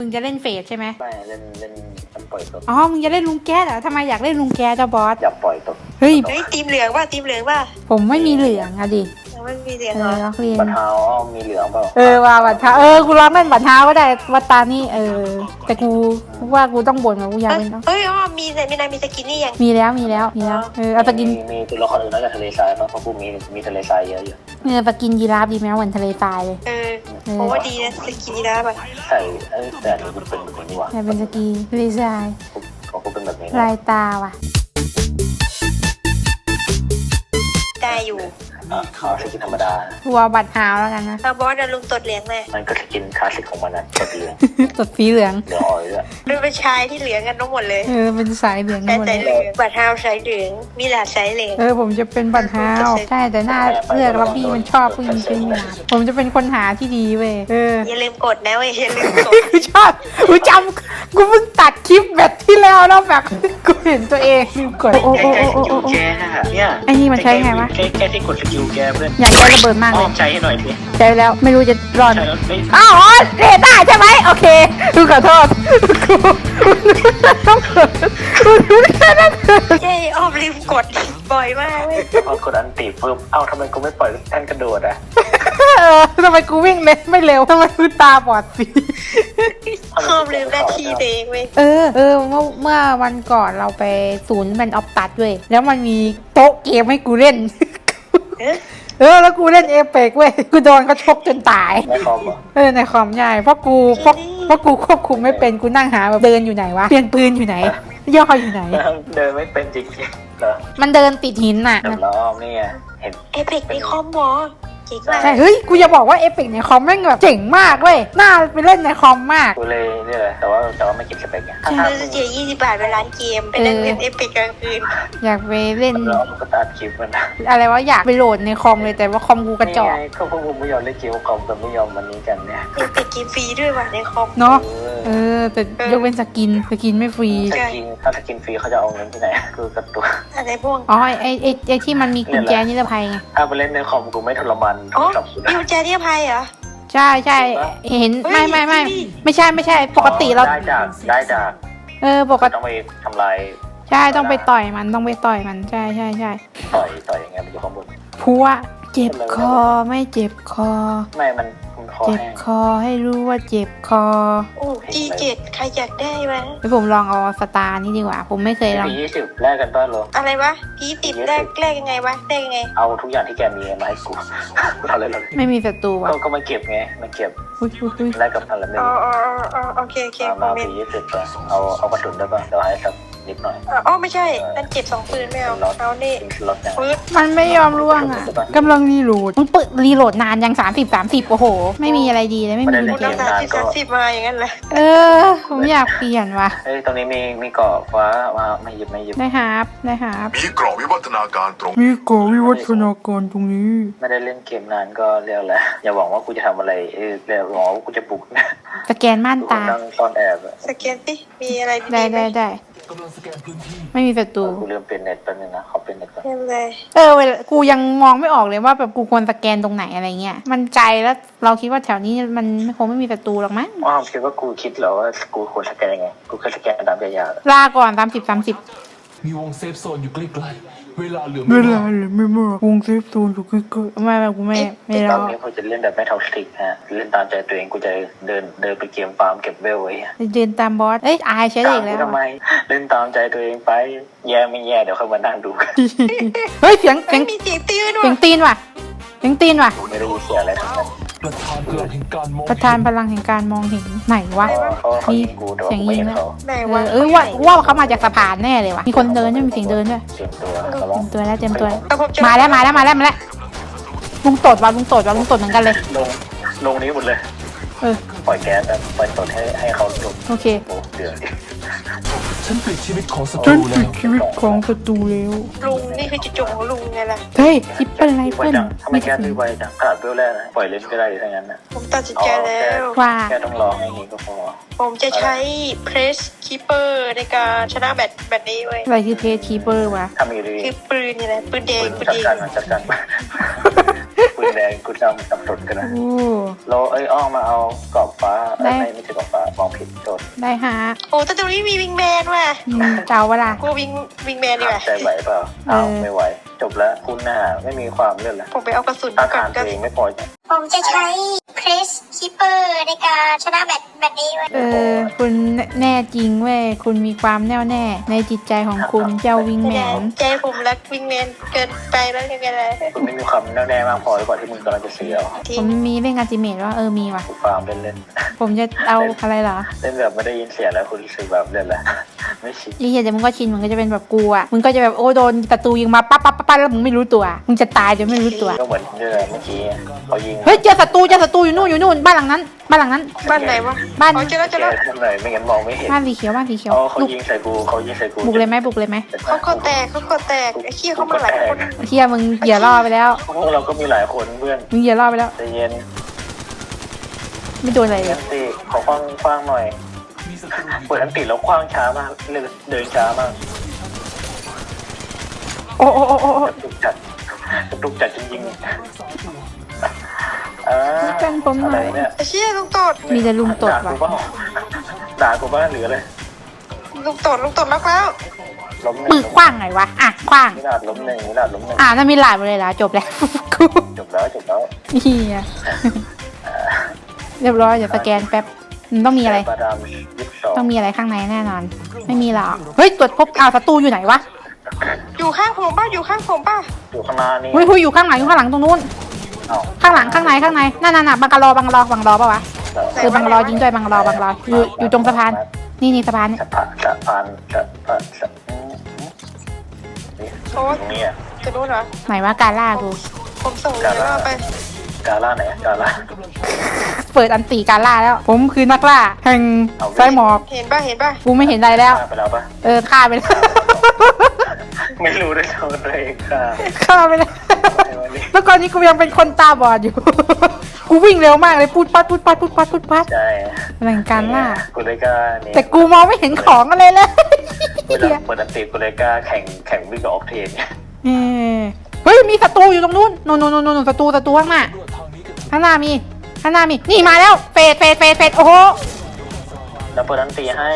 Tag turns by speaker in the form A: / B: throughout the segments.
A: มึงจะเล่นเฟสใช่ไหม
B: ไม่เล่นมันปล่อยตก
A: อ๋อมึงจะเล่นลุงแก๊สเหรอทำไมอยากเล่นลุงแก๊สจ้าบอส
B: อย่าปล่อยตก
A: เฮ้ย
C: ทีมเหลืองป่ะทีมเหลืองป่ะ
A: ผมไม่มีเหลืองอะดิ
C: ยังไม่มีเหลือง
A: เอ
C: เหร
A: อ
C: อ
A: ล็อกเรียน
B: บัตรเท้ามีเหลืองเปล่า
A: ว่าบัตรเท้ากูลองเล่นบัตรเท้าก็ได้วัตตานี่แต่กูว่ากูต้องบ่นว่ากูอยากเล่นเนาะ
C: เฮ้ยอ๋อมีแต่มีนายมีสกินนี่ยัง
A: มีแล้วเอาสกิน
B: มีตัวละครอื่นนอกจากทะเลทรายเพราะกูมีทะเลทรายเยอะอยู่
A: สกินยีราฟดีไหมเหมือนทะเลทรายเลย
C: ผมว่าดีนะสกินนี่นะป่ะ
B: ใส่แต่อันนี้กูเป็นแบบนี้ว่ะ
A: เป็นสกีทะเลทราย
B: กูเป็นแบบนี้
A: ลายตาว่ะ
C: ได้อยู่
B: เอาสกินธรรมดา
A: ตัวบัตรเท้าแล้วกันนะ
C: เอาบอสเดินลุงตดเหลืองเลย
B: มันก็สกินคลาสสิกของมันนะกดเหลือง
A: ตดสีเหลือง
B: เหลืองอ่อยด้วย
C: ดูเป็นชายที่เหลืองกันทั้งหมดเลย
A: เป็นสายเหลือง
C: ใช้
A: หมด
C: สายเห
A: เล
C: ลื
A: ย
C: องบัตรเท้าสายเหลืองมีหลาดสายเหลือง
A: ผมจะเป็นบัตรเท้าใช่แต่หน้าเลือกล็อบบี้มันชอบผู้หญิงเป็นหนาผมจะเป็นคนหาที่ดีเว้ย
C: อย่าลืมกดนะเว้ยอย่าลืมกด
A: กูชอบกูจำกูเพิ่งตัดคลิปแบบที่แล้วแล้วแบบกูเห็นตัวเองลืมกดโอ้
B: แกเนี่ย
A: ไอ้นี่มันใช้ไงวะ
B: แค่ที่กดสกิลแกเพื่อน
A: อยากได้ระเบิดมากเลย
B: ใจให้หน่อยดิ
A: ใช้แล้วไม่รู้จะรอด
B: ใช่แล้วไม่
A: อ้าวเรด้าใช่ไหมโอเคกูขอโทษกูต้องเกิดกูต้องเกิด
C: เย้อ้อมลืมกดบ่อยมากเว้ย
B: พอกดอันตีปุ๊บทำไมกูไม่ปล่อยแท่นกระโดดอ่ะ
A: ทำไมกูวิ่งไม่เร็วทำไมกูตาบอดสี
C: อ้อมลืมหน้าที่ตัวเองเว้ย
A: เมื่อวันก่อนเราไปศูนย์มันออฟตัดด้วยแล้วมันมีโต๊ะเกมให้กูเล่นแล้วกูเล่นเอเปกเว้ยกูโดนเขาชกจนตาย
B: ในคอมเหรอ
A: ในคอมใหญ่เพราะกูควบคุมไม่เป็นกูนั่งหาแบบเดินอยู่ไหนวะเปลี่ยนปืนอยู่ไหนย่ออยู่ไหน
B: เดินไม่เป็นจริงๆเหรอ
A: มันเดินติดหินน่ะ
B: เดี๋ยวล้อมนี่ไงเห็น
C: เอพิกในคอมบอเจ๋งมาก
A: ใช่เฮ้ยกูจะบอกว่าเอเปกในคอมแม่งแบบเจ๋งมากเว้ยน่าไปเล่นในคอมมาก
B: กูเลยนี่เลยแต่ว่าไม่เก็บสเปคไงถ้า
C: ซื้อเจีย20 บาทไปร้านเกมไปนั่งเล่นเอพิกกลางคืน
A: อยากไปเล่น
B: แล้วมันก็ตัดคลิปมันนะ
A: อะไรวะอยากไปโหลดในคอมเลยแต่ว่าคอมกูกระจอก
B: ก็พวกมึงไม่ยอมเล่นเกมคอมแต่ไม่ยอมวันนี้กันเนี่ย
C: เอพิกเกมฟรีด้วยว่ะในคอม
A: เนาะแต่ยกเป็นสกินไม่ฟรี
B: ถ้าสกินฟรีเขาจะเอาเงินที่ไหนคือกระตุ้น
C: อะไรพวก
A: อ๋อไอที่มันมีกุญแจนิรภัยไง
B: ถ้าไปเล่นในคอมกูไม่ทรมาน
C: อ๋อ
B: กับคุณ
C: มีกุญแจที่อภัยเหรอ
A: ใช่เห็นไม่ใช่ปกติเรา
B: ได้จาก
A: ปกติ
B: ต้องไปทำลาย
A: ใช่ต้องไปต่อยมันใช่
B: ต่อยยังไงมันอยู่ข้างบน
A: พัวเจ็บคอไม่เจ็บคอ
B: ไม่มันคอ
A: เจ็บ
B: แห้ง
A: คอให้รู้ว่าเจ็บคอ
C: โอ้ G7 ใครอยากได้วะ
A: แล้วผมลองเอาสตาร์นี่ดีกว่าผมไม่เคยลอง
B: ปี20แลกกันต้อนร
C: อะไรวะP10แรกยังไงวะแรกยังไง
B: เอาทุกอย่างที่แกมีมาให้กูเอาเลย
A: ไม่มีศัตรูว่ะ
B: ก็มาเก็บไงมาเก็บ
A: อุ้ย
B: แลกกับอะไรไม่
C: อ๋อ
B: รู้
C: โอเค
B: มา
C: คอมเมน
B: ปี
C: ต์
B: 20ไปเอากระสุนได้ป่ะเดี๋ยวให้สักนิดหน่อย
C: อ๋อไม่ใช่นั่นเจ็บ2ปืนไม่เอาเอานี่
B: รถยัง
C: ปืน
A: มันไม่ยอมร่วงอ่ะกำลังรีโหลดมันเปิดรีโหลดนานยัง30โอ้โหไม่มีอะไรดีเลยไม่มี
C: คุณน้ำตาล30มาอย่างนั้นแหละ
A: ผมอยากเปลี่ยนว่ะ
B: เฮ้ยตรงนี้มีเกาะฟ้ามาไม่หยิบ
A: ได้ครับ
D: มีกรอบวิวัฒนาการตรง
A: มีกวิวัฒนาการตรงนี้
B: ไม่ได้เล่นเกมนานก็เรียกแล้วอย่าหวังว่ากูจะทำอะไรเรียกหวังว่ากูจะบุกนะ
A: สแกนม่าน
B: กู
A: ตา
B: นั่งซ่อนแอบ
C: สแกนสิมีอะไรดี
A: ได้ไม่มีศัตรู
B: กูลืมเป็นเน็ตแป๊บนึงนะขอเป็นเน็ตก่อน
C: ไม่เป็นไร
A: เวลากูยังมองไม่ออกเลยว่าแบบกูควรสแกนตรงไหนอะไรเงี้ยมันไกลแล้วเราคิดว่าแถวนี้มันคงไม่มีศัตรูหรอกมั้ง
B: อ้าวคิดว่ากูคิดเหรอว่ากูควรสแกนยังไงกูแค่สแกนตามยา
A: ลาก่อน30
E: มีวงเซฟโซนอยู่ใกล้ๆเวลาเหลือ
A: เวลาเลยไม่มากวงเซฟโซนอยู่ใกล้ๆไม่กูไม่
B: ต
A: ร
B: อ
A: อน
B: นี้กูจะเล่นแบบไม่เท่าสติกฮะเล่นตามใจตัวเองกูจะเดินไปเกมฟาร์มเก็บเวลไว้
A: เดินตามบอสอายใช้ได้อีกแล้ว
B: ทำไมเล่นตามใจตัวเองไปแย่ไม่แย่เดี๋ยวค่อยมานั่งดูกัน
A: เฮ้ยเสียง
C: มีเสียงตีน
A: เสียงตีนว่ะ
B: ไม่ได้ยินเสียงอะไรทั้งนั้น
E: ประธานพลังแห่งการมอง
A: ประธานพลังแห่งการมองเห็นไหนวะ
B: เขายิงกูแต่ว่ากูไม่เห็นเขา
C: ไหนวะ
A: ว่าเขามาจากสะพานแน่เลยว่ะมีคนเดินด้วยมีเสียงเดินด้วย
B: เต็มตัวเขาร้อง
A: เตรียมตัวมาแล้วลุงตดเหมือนกันเลย
B: ลงนี้หมดเลยปล่อยแก๊สปล่อยตดให้เขาลง
A: โอเค
B: โอ้เดือด
E: ฉันปิดชีวิตของศัต
A: จ
E: รู
A: น
E: แล้
A: ปิด
E: ว
A: ชีวิตของศัตรูแล้ว
C: ลุงนี่คือจุดจบของลุงไงล่ะ
A: เฮ้ยทิปเปิลไร
B: ไว
A: เฟิล
B: จังทำไมแก๊สไวจังขนาดเวลแรกนะปล่อยเล่นก็ได้ทั้งนั้นนะ
C: ผมตัดสินใจแล้ว
A: ว่า
B: แค่ต้องร้องให้นี้ก็พอ
C: ผมจะใช้ Press Keeper ในการชนะแบบนี้เว้ย
A: อะไรคือเพจคีเปอร์วะ
B: ทำอยู่ดี
C: คือปืนนี่แหละปืนแดง
B: ปืนจัดการปืนแดงกูจำสับสนกันนะ
A: โอ้
B: เราอ้อมมาเอากรอบฟ้าไม่ใช่กรอบฟ้ามองผิดโดด
A: ได้ฮะ
C: โอ้แต่ตรงนี้มีวิงแมนว่ะ
A: เจ้าวะล่ะ
C: กูวิงแมนดีกว่า
B: ใจไหวเปล่าอ้าวไม่ไหวจบแล้วคุณหน้าไม่มีความเลื่อนแล้ว
C: ผมไปเอากระสุน
B: ต้า
C: ก่อ
B: ทาน น
C: ก็
B: ตัวเองไม่พอใจ
F: ผมจะใช้เพรสคิปเปอร์ในการชนะแบตนี้ไว้
A: คุณแน่จริงเว้ยคุณมีความแน่วแน่ในจิตใจของคุณเจ้าวิงแมน
C: ใจผมรักวิงแมนเกินไปแล้วยังไงล่ะ
B: คุณไม่มีความแน่วแน่มากพอหรือเปล่าที่มึงกำลังจะเสีย
C: ทิ้
A: ผ
C: ง
A: มมีเล่นอัลติเมทว่ามีว่ะ
B: กูฟาร์มเล่น
A: ผมจะเอาอะไรเหรอ
B: เล่นแบบไม่ได้ยินเสียงแล้วคุณรู้สึกแบบเล่นแล้วไม่ชิน
A: ยี่เหี้ยเดี๋ยวมึงก็ชินมึงก็จะเป็นแบบกูอ่ะมึงก็จะแบบโอ้โดนศัตรูยิงมาปั๊บปั๊บปั๊บแล้วมึงไม่รู้ตัวมึงจะตายจนไม่รู้ตัว
B: ก็เหมือนเมื่อกี้เขายิง
A: เฮ้ยเจอศัตรูอยู่นู่นบ้านหลังนั้น
C: บ้านไหนวะ
A: บ้าน
C: อ๋อเจอแล้ว
B: แกทำไมไม่งั้นมองไม่เห็น
A: บ้านสีเขียวบ้านสีเขียว
B: อ๋อเขา
A: ลูก
B: ยิงใส่กู
A: บุกเลยไหม
C: เขาคอแตกไอ้ขี้เขามาหลายคน
A: เที่ยมึงเหยื่อล่อไปแล้ว
B: พวกเราก็มีหลายคนเพื่อน
A: มึงเหยื่อล่อไปแล้ว
B: ใจเย็น
A: ไม่โดนอะไรเล
B: เย็
A: ย
B: นสิขอคว้างหน่อย
E: มีศัตรูอยู่
B: เปิดอันติดแล้วคว้างช้ามากเดินช้ามาก
A: โอ้
B: กระตุกจัดจริงๆ
A: เป็นผมหน่
B: อะไร
A: อย
B: เนี่ย
C: ไอ้ขี้ลุงตด
A: มีแต่ลุงตดว่ะ
B: ด่ากูบ้าหรืออะไร
C: ลุงตดล็อกแล้ว
B: ล้มห
A: มื
B: นึ่
A: อง คว้างไงวะอ่ะคว้าง
B: มิลาดล้มหนึ่ง
A: นั่นมีหลายหมดเลยล่ะจบแล้วกู
B: จบแล้ว
A: เฮียเรียบร้อยเดี๋ยวสแกนแป๊บมันต้องมีอะไร
B: ปาดาม22
A: ต้องมีอะไรข้างในแน่นอน ไม่มีหรอกเฮ้ยตรวจพบศัตรูอยู่ไหนวะ
C: อยู่ข้างผมป่ะ
B: อยู่ข้างหน้านี่
A: เฮ้ยอยู่ข้างหลังตรงนู้น
B: เอ้า
A: ข้างหลังข้างในนั่นบังกะโลบังกะโลปะวะบังกะโลยิงด้วยบังกะโลอยู่ตรงสะพานนี่สะพานเนี่ย
B: สะพาน
C: โอ้
B: ตรงนี้อ่ะ
C: จะรู้เหรอ
A: ไหนว่าการล่ากู
C: ผมส่งเดี๋ยวเราไป
B: กาล่าไหนกาล่า
A: เปิดอันตีการล่าแล้ว ผมคือนักล่าแห่งสายหมอก
C: เห็นป่ะ
A: กูไม่เห็นอะไรแล้ว
B: ไปแล้วปะ
A: ฆ่าไปแล้ว
B: ไม่รู้ด้วยซ้ำตัวเองค่ะ
A: ฆ่าไปแล้วแล้วก่อนนี้กูยังเป็นคนตาบอดอยู่ กูวิ่งเร็วมากเลยพูดปัด
B: ใช่
A: แรงการล่า
B: กูเลยกล้าเนี่ย
A: แต่กูมองไม่เห็นของอะไรเลย
B: เวลาเปิดอันติกูเลยกล้าแข่งวิ่งกับออกเทน
A: เฮ้ยมีศัตรูอยู่ตรงนู้นนู่นศัตรูข้างหน้า
E: ตรวจทางนี้กับ
A: ข้างหน้ามีนี่มาแล้วเฟดโอ้โห
B: เดี๋ยวเปิดอันติให้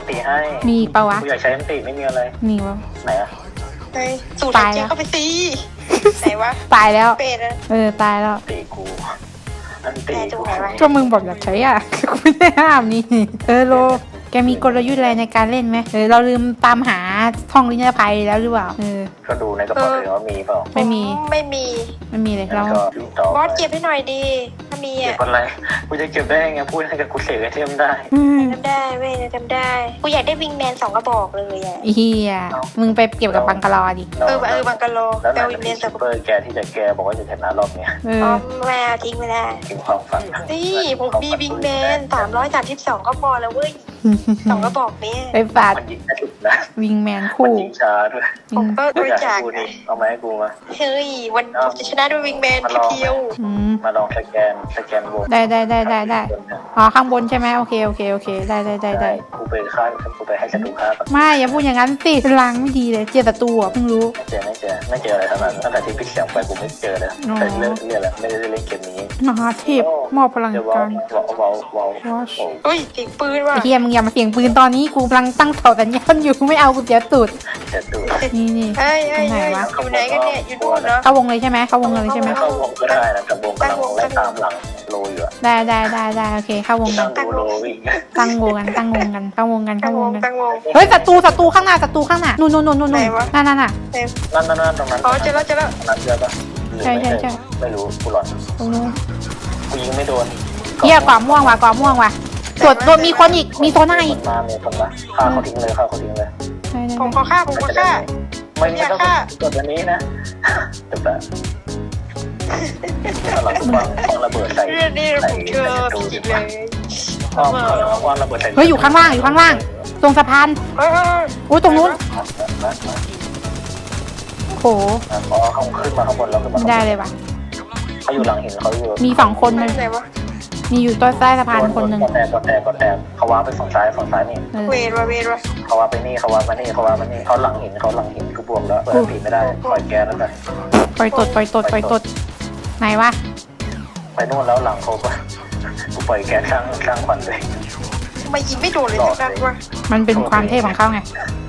A: มีปะวะ
B: กูอยากใช้อันติไม่มีอะไร
A: มีวะ
B: ไหนอะ
C: ไปสูตรหายใจเข้าไปตีไหนวะ
A: ตายแล้ว
C: เป็ดอะ
A: ตายแล้ว
B: ตีกูอันติกู
A: ก็มึงบอกอยากใช้อ่ะ กูไม่ได้ห้ามนี่โลแกมีกลยุทธ์อะไรในการเล่นไหมเราลืมตามหาท่องลิ้นภัยแล้วหรือเปล่า
B: ก็ดูในกระเป๋าเลยว่ามีเปล่า
A: ไม่มี
C: ไม่มี
A: เลย
B: แล้ว
A: เรา
B: ก็ต่อบ
C: อสเก็บให้หน่อยดีถ้ามี
B: เก็บ
C: อ่ะ
B: อะไรกูจะเก็บได้ไงพูดให้กับกูเสกไอเทมได้
C: จำได้เว้ยจำได้กูอยากได้วิงแมน2 กระบอกเลยอ่ะ
A: เฮียมึงไปเก็บกับบังกะลอดิ
C: บังกะโล
B: แล้ว
C: แต่
B: นาย
C: วิงแม
B: มี
C: น
B: ซูเปอร์แกที่จะแกบอกว่าจะชนะรอบเนี้ย
C: อ๋อแมวทิ้งไปแล้ว
B: ถึงความฝัน
C: นี่ผมมีวิงแมน332 ก็พอแล้วเว้ย2 กระบอกนี้
A: ไปฝาด
B: มันยิงแค่สุดนะ
A: วิงแมน
B: มัน
A: คู่
B: ยิงช้าด้วย
C: ผมก็บริจาค
B: กูนี่เอามาให้กูมา
C: เฮ้ยวันผมจะชนะด้วยวิงแมนเพียว
B: มาลองสแกนวง
A: ได้อ๋อข้างบนใช่ไหมโอเคได้
B: กูไปฆ่ากูไปให้ศัตรูฆ่าก่อน
A: ไม่อย่าพูดอย่างนั้นสิลังไม่ดีเลยเจอศัตรูอ่ะเพิ่งรู้
B: ไม่เจออะไรทั้งนั้นตั้งแต่ที่พี่เสียงไปกูไม่เจอเลยแต่เรื่องแล้วไม่ได้เล่นเกมนี้
A: มหาเทพมอบพลัง
B: เดี๋ยว
A: การ
B: ว้าว
C: เฮ้ยเสียงปืนว่ะ
A: ไอ้เฮียมึงอย่ามาเสียงปืนตอนนี้กูกำลังตั้งเสาสัญญาณอยู่ไม่เอากูเสียตูด
B: เจ็ดตัว
A: นี่
C: เฮ้ยอยู่ไหนกันเนี่ยอยู่นู่นเนาะ
A: เข้าวงเลยใช่ไหมเข้าวงเลยใช่ไหม
B: เข้าวงก็ได้นะแต่วงกำลังไล่ตามหลังโลอยู่อะ
A: ได้โอเคเข้าวงกั
B: นั่
A: น
B: งดูโลวิ่ง
A: ตั้งวงกันเข้าวงกัน
C: ตั้งวง
A: เฮ้ยศัตรูข้างหน้านู่นนั่นน่ะ
B: นั่นตรงนั้น
C: อ๋อเจอแล้ว
B: นั้นเจอปะไม่รู้กูหลอน
A: ตรงนู้น
B: กูยิงไม่โดน
A: เฮียกว่าม่วงว่ะตรวจโดนมีคนอีกมีโซน่าอีก
B: มามีคนมาฆ่าเขาทิ้งเลย
C: ผมขอฆ่า
B: ไม่ต้องกดอันนี้นะจบแล้วหลังวางระเบิดใส่
C: เรื่องนี้ผมเชื่อผิดเลย
B: วางระเบิดใส่
A: เฮ้ยอยู่ข้างล่างตรงสะพานโอ้ตรงนู้นโห
B: อ๋อเขาขึ้นมาข้างบนแล้วขึ้นมา
A: ไม่ได้เลยว่ะ
B: เขาอยู่หลังหินเขาอยู่
A: มี2 คนมัน
C: ไหนวะ
A: มีอยู่ใต้สะพานคนหนึ่ง
B: กดแตกเขาวางไปฝั่งซ้ายนี่
C: เวรวะ
B: เขาวางไปนี่เขาหลังหินกูบวมแล้วเปิดผีไม่ได้ปล่อยแกแล้วกัน
A: ปล่อยตดไหนวะ
B: ไปนู่นแล้วหลังเขาก็กูปล่อยแก๊สสร้างควันเลย
C: ทำไมยิงไม่โดนเลยสักนัดวะ
A: มันเป็นความเท่ของเขาไง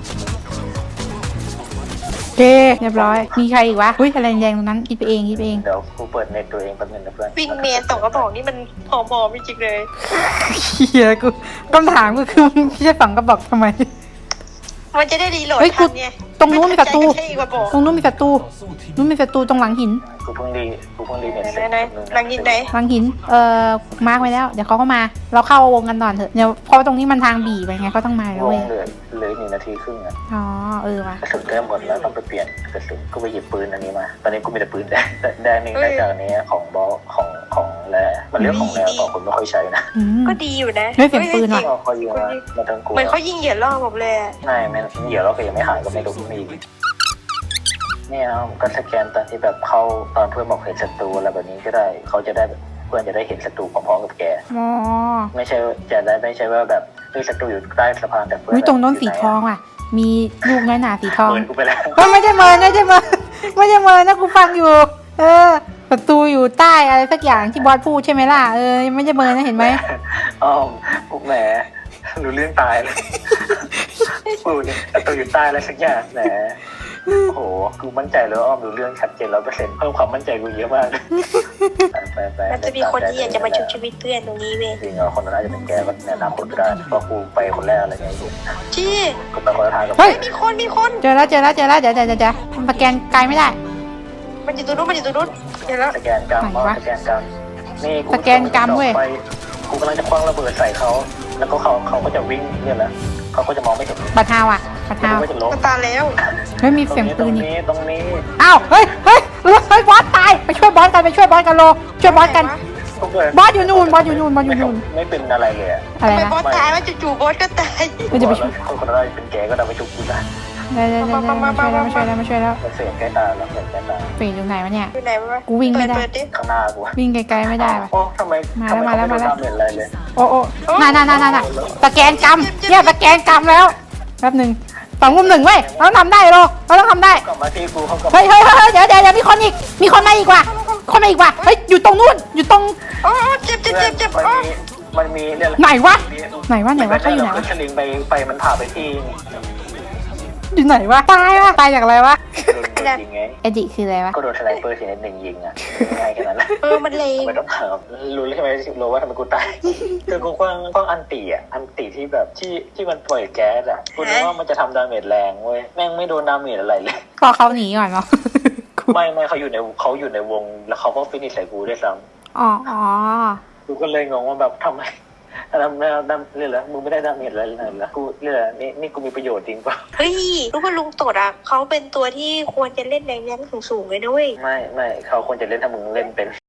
A: โอเคเรียบร้อย มีใครอีกวะอุ้ยอะไรแดงตรงนั้นคิดไปเอง
B: เดี๋ยวกูเปิดเน็ตตัวเองแป๊บนึงนะเพื่อน
C: วิ่งเมน2 กระบอกนี่มันหอมๆจริงๆเลย
A: เฮียกูคำถามก็คือมึงไม่ใช่ฝังกระบอกทำไม
C: มันจะได้รีโหลด
A: เฮ้ยกู
C: ทันไง
A: ตรงนู้นมีศัตรู
C: ไม่ทันใจก็แค่อีกกระบอก
A: ตรงนู้นมีศัตรูนู้นมีศัตรูตรงหลังหิน
B: กูเพิ่งรีเน็ตเสร็จ
C: ไหนหลังยิงไหน
A: หลังหินมาร์กไว้แล้วเดี๋ยวเขาก็มาเราเข้าวงกันก่อนเถอะเดี๋ยวเพราะว่าตรงนี้มันทางบีไปไงเขาต้องมาแล้ว
B: ว
A: เว้
B: ง
A: ย
B: เหลือ1 นาทีครึ่งอ่ะ
A: อ๋อว่ะ
B: กระสุนเริ่มหมดแล้วต้องไปเปลี่ยนกระสุนก็ไปหยิบปืนอันนี้มา ตอนนี้กูมีแต่ปืนแดงนึงได้จากนี้ของบอสของแร่มันเรียกของแร่ต่อคนไม่ค่อยใช้นะ
A: อืม
C: ก็ดีอยู่นะ
A: เฮ้ยเสียงปืนว่ะ
B: ก็เขายิงมาทั้งกู
C: เหมือนเขายิงเหยียดล่อผมเลยอะ
B: ไม่เดี๋ยวเราก็ยังไม่หายก็ไม่รู้มีเนี่ยก็สแกนตอนที่แบบเข้าตอนเพื่อนบอกเห็นศัตรูอะไรแบบนี้ก็ได้เขาจะได้เพื่อนจะได้เห็นศัตรูพร้อมๆกับแก
A: อ๋อ
B: ไม่ใช่ว่าแบบศัตรูอยู่ใต้สะพานแต่เพื่อน
A: อุ้ยตรงโน้นสีทองว่ะ มีลูกน้อยหนาสีทอง
B: เปิดกูไปแล้ว
A: เฮ้ยไม่ใช่เมินนะกูฟังอยู่ ศัตรูอยู่ใต้อะไรสักอย่างที่บอสพูดใช่ไหมล่ะไม่ใช่เมินนะเห็นไหม
B: อ้อมพวกแหมรู้เรื่องตายเลยกูเนี่ยศัตรูอยู่ใต้อะไรสักอย่างแหมโอ้โหกูมั่นใจแล้วอ้อมรู้เรื่องชัดเจน100%เพิ่มความมั่นใจกูเยอะมากไป
C: มันจะมีคนที่อยากจะมาชุบชีวิตเพื่อนตรงนี้เว้ย
B: จริงเหรอคนนั้นน่าจะเป็นแกก็แนะนำคนก็ได้เพราะกูไปคนแรกอะไรเงี้ย
C: จี้
B: กูไปคนละทางกับ
A: เฮ้ย
C: มีคน
A: เจอแล้วเดี๋ยวมันสแกนไกลไม่ได้
C: มันอยู่ตรงนู้นเดี๋ยวแล้ว
B: สแกนกรรมสแกนกรรมนี่
A: สแกนกรรมเว้ย
B: กูกำลังจะคว้างระเบิดใส่เขาแล้วก็เขาก็จะวิ่งเนี่ยแหละเขาก็จะมองไม่เห็น
A: บัตรฮาวอ่ะบัตรฮาว
B: ก็จะล้ม
C: มันตายแล้ว
A: เฮ้ยมีเสียงปืนอีก
B: ตรงนี้
A: อ้าวเฮ้ยบอสตายไปช่วยบอสกันโลช่วยบอสกันบอสอยู่นู่น
B: ไม่เป็นอะไรเลย
A: อะไร
C: ทำไม
A: นะ
C: บอสตายว่าจู่ๆบอสก็ตาย
A: มันจะไปช่วย
B: คนคนนั้นเป็นแกก็ได้ไปชุบกูนะ
A: ได้มาช่วยแล้ว
B: มันเสียงใกล้ตาแล้วเสียงใกล้ตา
A: ปีอยู่ไหนวะเนี่ย
C: อยู่ไหนวะ
A: กูวิ่งไม่ได้
C: เปิดิ
B: ข้างหน้ากู
A: วิ่งไกลๆไม่ได้ว่ะ
B: โอ้ทำไมไม่ได้เห็นอะไรเลย
A: โอ้น่าสแกนกรรมเนี่ยสแกนกรรมแล้วแป๊บหนึ่ง2-1เว้ยเราทำได้เราต้องทำได้
B: กลับมาที่กูเขากลับ
A: เฮ้ยเดี๋ยวมีคนมาอีกว่ะเฮ้ยอยู่ตรงนู้นอยู่ตรง
C: โอ้เจ็บโอ้
B: มันมีเนี่ย
A: ไหนวะเขาอยู่ไหนวะ
B: สลิงไปมันผ่าไปที่
A: อยู่ไหนวะตายจากอะไรวะ
B: โดนยิงไง
A: เอดิคืออะไรวะ
B: ก็โดนสไนเปอร์ทีนิดหนึ่งยิงอ่ะง่ายแค่นั้นแหละ
C: มันเลว
B: ไม่ต้องถามรู้ใช่ไหมรู้ว่าทำไมกูตายคือกูคว้างอันติที่แบบที่มันปล่อยแก๊สอ่ะกูนึกว่ามันจะทำดาเมจแรงเว้ยแม่งไม่โดนดาเมจอะไรเลย
A: พอเขาหนีก่อนเนาะ
B: ไม่เขาอยู่ในวงแล้วเขาก็ฟินิชใส่กูด้วยซ้
A: อ๋อ
B: ำกูก็เลยงงว่าแบบทำไมเรื่องแล้วมึงไม่ได้ดาเมจอะไรเลยนะกูเรื่องนี่กูมีประโยชน์จริงป่ะ
C: เฮ้ยรู้ว่าลุงตดอ่ะเขาเป็นตัวที่ควรจะเล่นแรงๆสูงๆเลยด้วย
B: ไม่เขาควรจะเล่นถ้ามึงเล่นเป็น